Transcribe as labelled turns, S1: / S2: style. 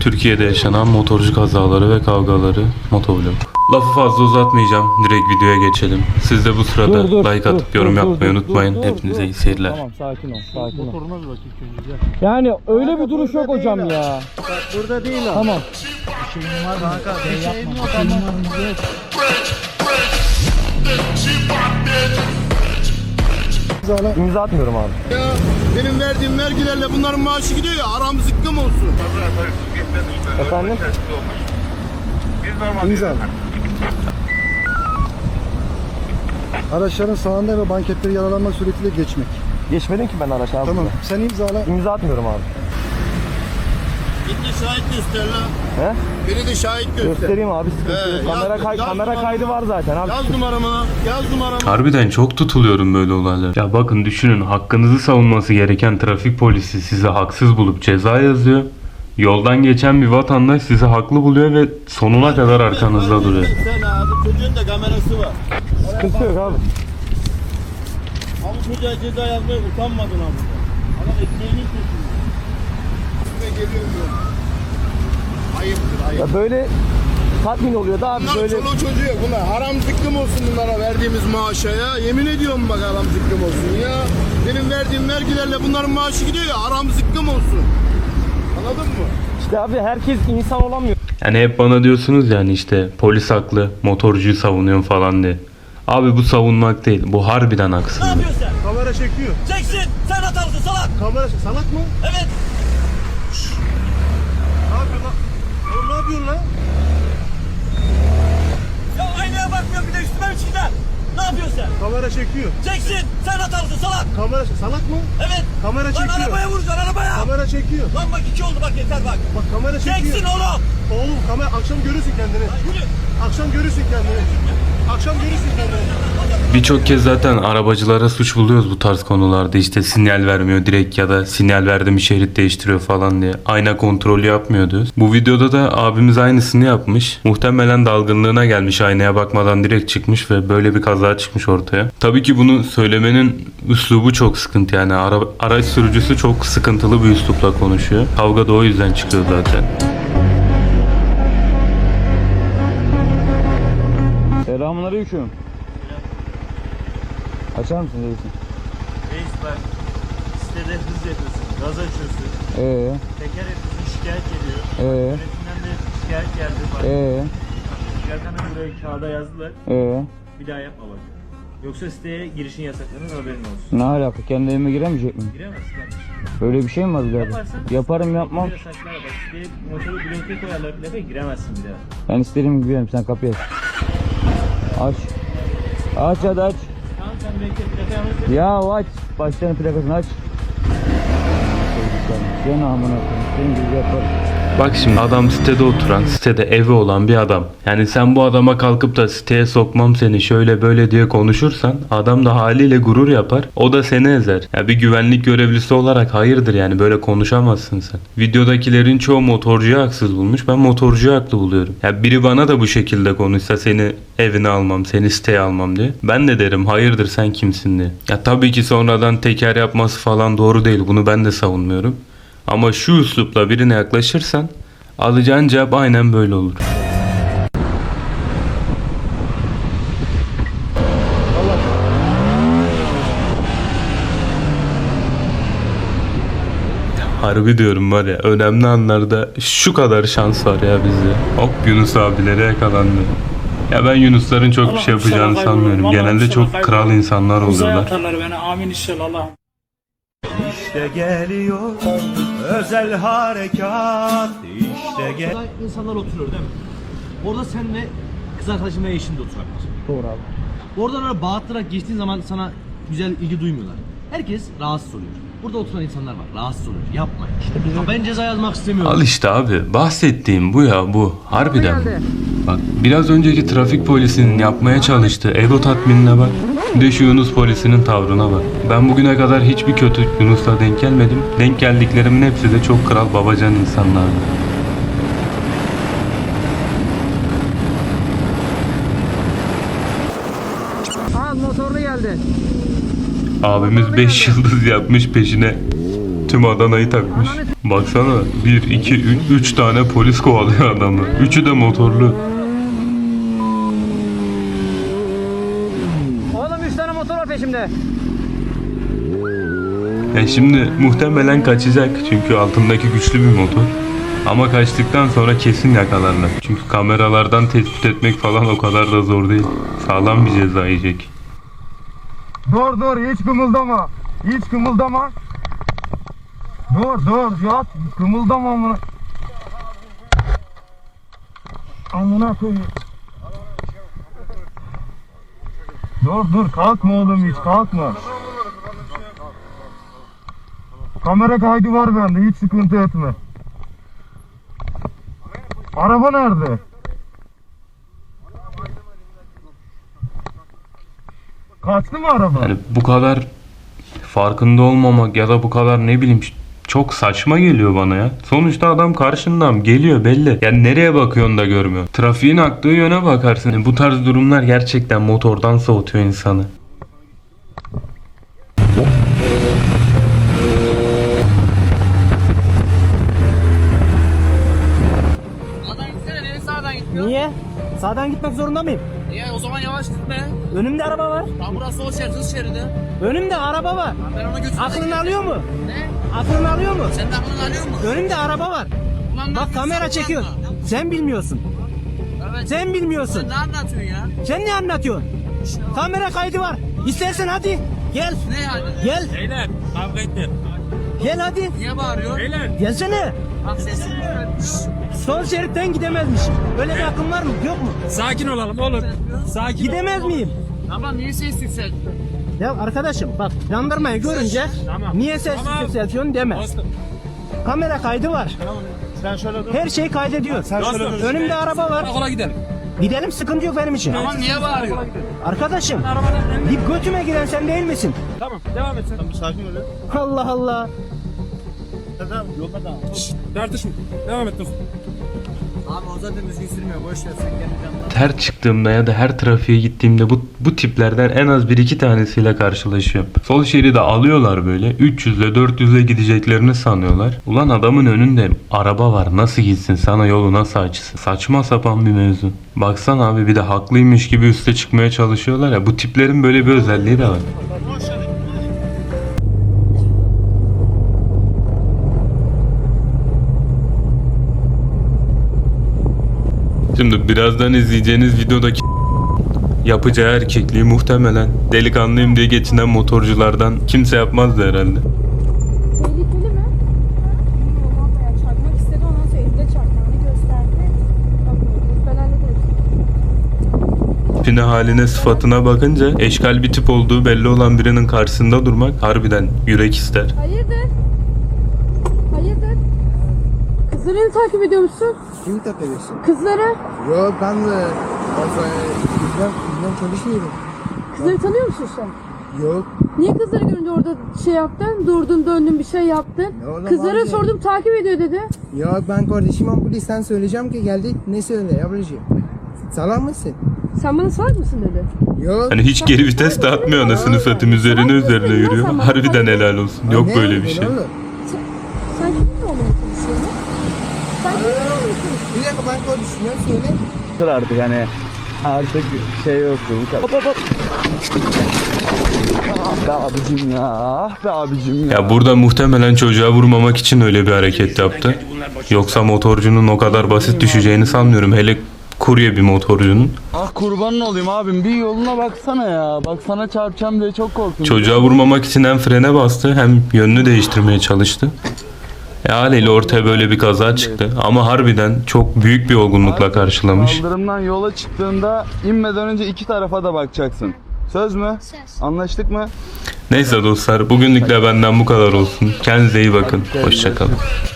S1: Türkiye'de yaşanan motorcu kazaları ve kavgaları motovlog. Lafı fazla uzatmayacağım. Direkt videoya geçelim. Siz de bu sırada like atıp yorum yapmayı unutmayın. Hepinize iyi seyirler.
S2: Tamam, sakin ol, sakin ol.
S3: Motoruna bir bak ilk önce. Gel.
S2: Yani öyle bir duruş yok hocam ya.
S3: Bak burada değil abi.
S2: Tamam.
S3: Bir şeyim var kanka. Bir şeyim yok ama.
S2: İmza atmıyorum abi.
S4: Ya benim verdiğim vergilerle bunların maaşı gidiyor ya, aram zıkkım olsun.
S2: Efendim?
S5: İmza. Araçların sağında ve banketleri yaralanmak suretiyle geçmek.
S2: Geçmedim ki ben araç abi.
S5: Tamam. Sen imzala.
S2: İmza atmıyorum abi.
S4: Git de şahit göster lan.
S2: He?
S4: Beni de şahit göster.
S2: Göstereyim abi, sıkıntı yok.
S4: Yaz
S2: Kamera
S4: numaramı.
S2: kaydı var zaten abi.
S4: Yaz numaramı, yaz numaramı.
S1: Harbiden çok tutuluyorum böyle olaylar. Ya bakın düşünün, hakkınızı savunması gereken trafik polisi sizi haksız bulup ceza yazıyor. Yoldan geçen bir vatandaş sizi haklı buluyor ve sonuna kadar arkanızda duruyor.
S4: Sen abi, çocuğun da kamerası var.
S2: Sıkıntı yok abi.
S4: Abi çocuğa ceza yazmaya utanmadın abi. Adam ekmeğinin peşinde. Üstüme geliyorum böyle. Ayıptır, ayıp.
S2: Ya böyle tatmin oluyor da abi
S4: Bunlar
S2: böyle.
S4: çoluğu çocuğu yok. Bunlar haram zıkkım olsun bunlara verdiğimiz maaşa ya. Yemin ediyorum bak, haram zıkkım olsun ya. Benim verdiğim vergilerle bunların maaşı gidiyor ya, haram zıkkım olsun. Anladın mı?
S2: İşte abi herkes insan olamıyor.
S1: Yani hep bana diyorsunuz yani işte polis haklı, motorcuyu savunuyorum falan diye. Abi bu savunmak değil, bu harbiden haksızlık.
S4: Kamera çekiyor.
S6: Çeksin! Sen hatalısın salak!
S4: Kamera salak mı?
S6: Evet!
S4: Ne yapıyorsun lan? Oğlum ne yapıyorsun lan?
S6: Ya aynaya bakmıyorum, bir de üstüme mi çıkacaksın? Ne yapıyorsun sen?
S4: Kamera çekiyor.
S6: Çeksin! Sen hatalısın salak!
S4: Kamera salak mı?
S6: Evet!
S4: Kamera
S6: Lan
S4: çekiyor.
S6: arabaya vuracaksın arabaya!
S4: Kamera çekiyor.
S6: Lan bak 2 oldu bak, yeter bak!
S4: Bak kamera çekiyor.
S6: Çeksin oğlum!
S4: Oğlum kamera akşam görürsün kendini.
S6: Lan yürü!
S4: Akşam görürsün kendini. Akşam görürsün kendini.
S1: Birçok kez zaten arabacılara suç buluyoruz bu tarz konularda, işte sinyal vermiyor direkt ya da sinyal verdi mi şerit değiştiriyor falan diye. Ayna kontrolü yapmıyor diyoruz. Bu videoda da abimiz aynısını yapmış. Muhtemelen dalgınlığına gelmiş, aynaya bakmadan direkt çıkmış ve böyle bir kaza çıkmış ortaya. Tabii ki bunu söylemenin üslubu çok sıkıntı, yani araç sürücüsü çok sıkıntılı bir üslupla konuşuyor. Kavga da o yüzden çıkıyor zaten.
S2: Selamünaleyküm. Açar mısın reisim?
S3: Reis bak. Sitede hız yapıyorsun. Gaz açıyorsun. Teker yapıyorsun. Şikayet geliyor. Yönetimden de şikayet geldi. Bak. Zaten buraya kağıda yazdılar. Bir daha yapma bak. Yoksa siteye girişin yasaklarının haberin olsun.
S2: Ne alaka? Kendi evime giremeyecek miyim?
S3: Giremezsin kardeşim.
S2: Böyle bir şey mi var birader?
S3: Yaparsan
S2: Yaparım yapmam.
S3: böyle saçlara bak. Siteye motoru bloke koyarlar plakaya giremezsin bir daha.
S2: Ben istediğim gibi yerim, sen kapıyı aç. Aç. Aç hadi aç.
S3: Tamam sen bekle plakaya hazır.
S2: Ya aç. Başlarının plakasını aç. Sen amına koyayım. Senin gibi yaparım.
S1: Bak şimdi adam sitede oturan, sitede evi olan bir adam. Yani sen bu adama kalkıp da siteye sokmam seni şöyle böyle diye konuşursan adam da haliyle gurur yapar. O da seni ezer. Ya bir güvenlik görevlisi olarak hayırdır, yani böyle konuşamazsın sen. Videodakilerin çoğu motorcuyu haksız bulmuş. Ben motorcuyu haklı buluyorum. Ya biri bana da bu şekilde konuşsa seni evine almam, seni siteye almam diye. Ben de derim hayırdır sen kimsin diye. Ya tabii ki sonradan teker yapması falan doğru değil. Bunu ben de savunmuyorum. Ama şu üslupla birine yaklaşırsan alacağın cevap aynen böyle olur. Harbi diyorum var ya, önemli anlarda şu kadar şans var ya bizde. Hop Yunus abilere yakalandı. Ya ben Yunusların çok bir şey yapacağını sanmıyorum. Genelde çok kral insanlar oluyorlar.
S7: Atarlar beni, amin inşallah Allah.
S8: İşte geliyor özel harekat, işte gel.
S6: Orada insanlar oturuyor değil mi? Orada senle kız arkadaşın ve eşin de oturak var.
S2: Doğru abi.
S6: Oradan oraya bağırtarak geçtiğin zaman sana güzel ilgi duymuyorlar. Herkes rahatsız oluyor. Burada oturan insanlar var, rahatsız oluyor. Yapmayın. Ya ben ceza yazmak istemiyorum.
S1: Al işte abi, bahsettiğim bu ya, bu. Harbiden. Bak biraz önceki trafik polisinin yapmaya çalıştığı ego tatminine bak. Bir de şu Yunus polisinin tavrına bak. Ben bugüne kadar hiçbir kötü Yunus'la denk gelmedim. Denk geldiklerimin hepsi de çok kral babacan insanlardı.
S2: Aa, motorlu geldi.
S1: Abimiz 5 yıldız yapmış, peşine tüm Adana'yı takmış. Baksana 1, 2, 3 tane polis kovalıyor adamı. Üçü de motorlu.
S6: Oğlum 3 tane motor var peşimde.
S1: Şimdi muhtemelen kaçacak çünkü altındaki güçlü bir motor. Ama kaçtıktan sonra kesin yakalarlar. Çünkü kameralardan tespit etmek falan o kadar da zor değil. Sağlam bir ceza yiyecek.
S4: Dur hiç kımıldama. Hiç kımıldama. Dur yat. Kımıldama amına. Amına koyayım. Dur kalkma oğlum hiç kalkma. Kamera kaydı var bende hiç sıkıntı etme. Araba nerede? Kaçtı mı araba?
S1: Yani bu kadar farkında olmamak ya da bu kadar ne bileyim çok saçma geliyor bana ya. Sonuçta adam karşından geliyor belli. Yani nereye bakıyorsun da görmüyorsun. Trafiğin aktığı yöne bakarsın. Yani bu tarz durumlar gerçekten motordan soğutuyor insanı.
S9: Sağdan gitsene, niye sağdan gitmiyor?
S6: Niye? Sağdan gitmek zorunda mıyım?
S9: Niye? O zaman yavaş gitme.
S6: Önümde araba var.
S9: Tam burası sol şerit, hız şeridi.
S6: Önümde araba var.
S9: Ben ona götürmeye
S6: Aklını alıyor mu?
S9: Ne?
S6: Aklını alıyor mu?
S9: Sen de aklını alıyor musun?
S6: Önümde araba var.
S9: Ulan
S6: Bak kamera çekiyor. Sen bilmiyorsun.
S9: Evet.
S6: Sen bilmiyorsun.
S9: Sen ne anlatıyorsun ya?
S6: Sen ne anlatıyorsun? Kamera kaydı var. İstersen hadi. Gel.
S9: Ne yani?
S6: Gel.
S7: Beyler kavga etme.
S6: Gel hadi.
S9: Niye bağırıyor?
S7: Beyler.
S6: Gelsene.
S9: Bak sesin yükselmiş.
S6: Sol şeritten gidemezmiş. Öyle bir akım var mı? Yok mu?
S7: Sakin olalım oğlum. Sakin.
S6: Gidemez miyim?
S9: Tamam niye ses yükseltti?
S6: Ya arkadaşım bak jandarmayı görünce
S7: Tamam.
S6: niye ses
S7: Tamam.
S6: yükseltiyorsun deme.
S7: Dostum.
S6: Kamera kaydı var.
S4: Sen şöyle dur.
S6: Her şey kaydediyor.
S7: Dostum.
S6: Önümde araba var.
S7: Karakola gidelim.
S6: Gidelim sıkıntı yok benim için.
S9: Tamam niye bağırıyor?
S6: Arkadaşım
S7: Arabadan
S6: bir götüme giren sen değil misin?
S7: Tamam devam et sen.
S4: Bir sakin ol ya.
S6: Allah Allah.
S4: Tamam yolda da.
S7: Tartışma. Devam et dostum.
S9: Abi o zaten düzgün sürmüyor. Boş ver sen kendi canına.
S1: Her çıktığımda ya da her trafiğe gittiğimde bu tiplerden en az 1-2 tanesiyle karşılaşıyorum. Sol şeridi alıyorlar böyle 300'le 400'le gideceklerini sanıyorlar. Ulan adamın önünde araba var, nasıl gitsin, sana yolu nasıl açsın? Saçma sapan bir mevzu. Baksana abi, bir de haklıymış gibi üste çıkmaya çalışıyorlar ya. Bu tiplerin böyle bir özelliği de var. Şimdi birazdan izleyeceğiniz videodaki yapacağı erkekliği muhtemelen delikanlıyım diye geçinen motorculardan kimse yapmazdı herhalde.
S10: Tehlikeli mi? Bilmiyorum abla ya. Çarpmak istedi, ondan sonra elinde çarptığını gösterdi. Bakmıyoruz. Ben hallederim.
S1: Tipine, haline, sıfatına bakınca eşkal bir tip olduğu belli olan birinin karşısında durmak harbiden yürek ister.
S10: Hayırdır? Hayırdır? Kızları takip ediyor musun?
S5: Kimi takıyorsun?
S10: Kızları.
S5: Yok ben de bizden çalışmıyorum.
S10: Kızları tanıyor musun sen?
S5: Yok.
S10: Niye kızları görünce orada şey yaptın? Durdun, döndün, bir şey yaptın.
S5: Ya orada
S10: Kızlara
S5: bazı-
S10: sordum, takip ediyor dedi.
S5: Ya ben kardeşime polisten söyleyeceğim ki geldi ne söyle ablacığım. Salak mısın?
S10: Sen bana salak mısın dedi.
S5: Yok.
S1: Hani hiç geri vites de atmıyor, anasını satayım, üzerine yürüyor. Harbiden helal olsun. Yok
S5: Ne?
S1: böyle bir şey.
S5: Ne oğlum?
S10: Sen kiminle olmaya çalışıyorsun? Sen kiminle olmaya çalışıyorsun?
S5: Bir dakika ben kardeşime söyle.
S2: Artık hani artık şey yoktu bu kadar. Hop hop hop. Ah be abicim ya. Ah be abicim ya.
S1: Ya burada muhtemelen çocuğa vurmamak için öyle bir hareket yaptı. Yoksa motorcunun o kadar basit düşeceğini sanmıyorum. Hele kurye bir motorcunun.
S2: Ah kurbanın olayım abim, bir yoluna baksana ya. Bak sana çarpacağım diye çok korktum.
S1: Çocuğa vurmamak için hem frene bastı hem yönünü değiştirmeye çalıştı. Haliyle ortaya böyle bir kaza çıktı. Ama harbiden çok büyük bir olgunlukla karşılamış.
S2: Kaldırımdan yola çıktığında inmeden önce iki tarafa da bakacaksın. Söz mü? Söz. Anlaştık mı?
S1: Neyse dostlar, bugünlük de benden bu kadar olsun. Kendinize iyi bakın. Hoşçakalın.